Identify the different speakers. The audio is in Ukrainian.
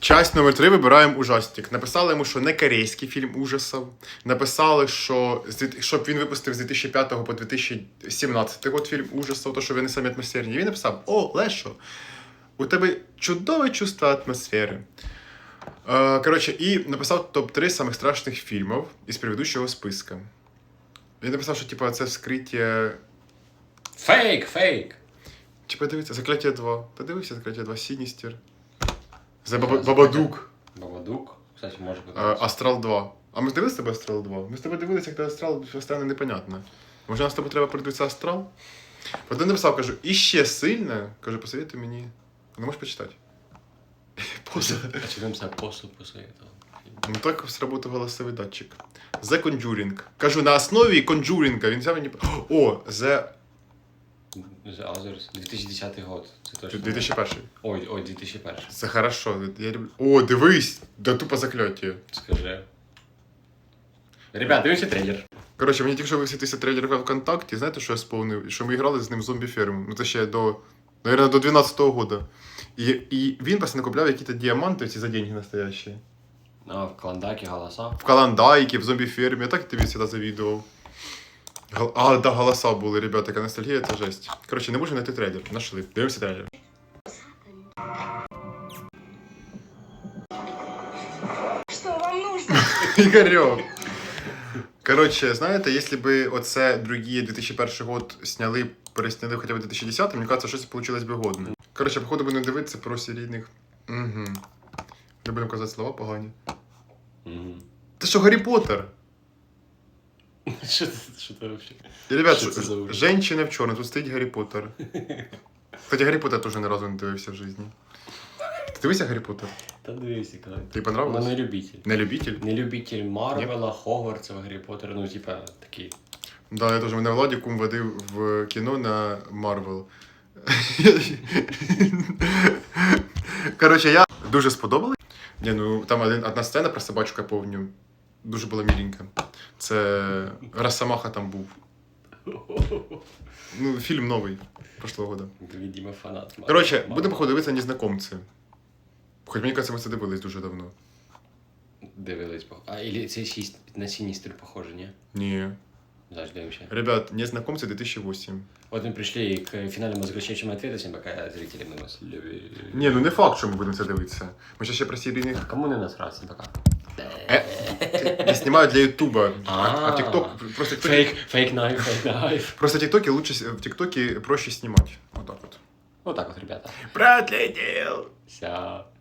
Speaker 1: Часть номер 3 вибираємо ужастик. Написали йому, що не корейський фільм ужасів. Написали, що щоб він випустив з 2005 по 2017 год фільм ужасів, то що вони самі атмосферні. І він написав: о, Лешо, у тебе чудове чувство атмосфери. Коротше, і написав топ-3 самих страшних фільмів із предыдущого списка. Він написав, що типу, це вскриття...
Speaker 2: Фейк!
Speaker 1: Чи подивіться, Закляття 2. Подивився Закляття 2, Сіністер. Бабадук.
Speaker 2: Бабадук? Кстати, може подивитися.
Speaker 1: Астрал 2. А ми дивилися з тобою Астрал 2? Ми з тобою дивилися, як Астрал стане непонятно. Може, нам з тобою треба подивитися Астрал? Потім написав, кажу, іще сильно, кажу, посоветуй мені. Не можеш почитати? Поза.
Speaker 2: А чи він себе посуд посоветував?
Speaker 1: Ну так сработав голосовий датчик. The Conjuring. Кажу, на основі Conjuring. Він взяв мені... О, The
Speaker 2: 2010 год. Це точно.
Speaker 1: 2001.
Speaker 2: Ой, 2001.
Speaker 1: Це хорошо. Я люблю. О, дивись! Да тупо закляття.
Speaker 2: Скажи. Ребят, дивіться трейлер.
Speaker 1: Коротше, мені тільки що висвітився трейлер в ВКонтакті. Знаєте, що я сповнив? Що ми грали з ним в зомбі-ферму. Ну це ще до... Наверное, до 12-го года. І він постійно купляв якісь діаманти ці за деньги настоящі.
Speaker 2: А, в Клондайке голоса.
Speaker 1: В Каландайке, в зомбі-фермі. Я так тобі завжди завідував. А, да, голоса були, ребята, яка ностальгія, це жесть. Коротше, не можу знайти трейлер. Нашли. Дивимося трейлер.
Speaker 3: Что вам нужно?
Speaker 1: Ігорьок. Коротше, знаєте, якщо б оце другі 2001 год сняли, пересняли хоча б 2010, мені кажется, щось вийшло б годне. Коротше, походу будемо дивитися про серійних... Угу. Не будемо казати слова погані.
Speaker 2: Угу.
Speaker 1: Це що, Гаррі Поттер?
Speaker 2: Що це вообще?
Speaker 1: І, ребят,
Speaker 2: Що це за ужас?
Speaker 1: женщина в чорному, тут стоїть Гаррі Поттер. Кстати, Гаррі Поттер теж ні разу не дивився в житті. Ти дивився Гаррі Поттер?
Speaker 2: Та дивися, коли.
Speaker 1: Тобі понравилось?
Speaker 2: Ну, не любитель.
Speaker 1: Не любитель?
Speaker 2: Не любитель Марвела, Хогвартса, Гаррі Поттера, ну, типа, такі.
Speaker 1: Да, я теж, мене Владі кум водив в кіно на Марвел. Коротше, я дуже сподобалась. Ні, ну там одна сцена про собачку, я помню. Дуже була міленька. Це Росомаха там був. Ну, фільм новий, прошлого года.
Speaker 2: Видимо, фанат.
Speaker 1: Коротше, будемо походу дивитися «Незнакомці». Хоч мені кажется, ми це дивились дуже давно.
Speaker 2: Дивились. А, или це на Сіністер похоже, ні?
Speaker 1: Ні.
Speaker 2: Завжди вообще.
Speaker 1: Ребят, «Незнакомці» 2008.
Speaker 2: Вот мы пришли к финальному заключающему ответу, всем пока зрители мы нас любим.
Speaker 1: Ні, ну не факт, що ми будемо це дивитися. Ми ще про серійних...
Speaker 2: Кому не насрать, всем пока.
Speaker 1: Я знімаю для Ютуба, а в ТикТок просто...
Speaker 2: Фейк найф.
Speaker 1: Просто ТикТоке лучше, в ТикТоке проще снимать. Вот так вот.
Speaker 2: Вот так вот, ребята.
Speaker 1: Продлетел!
Speaker 2: Вся.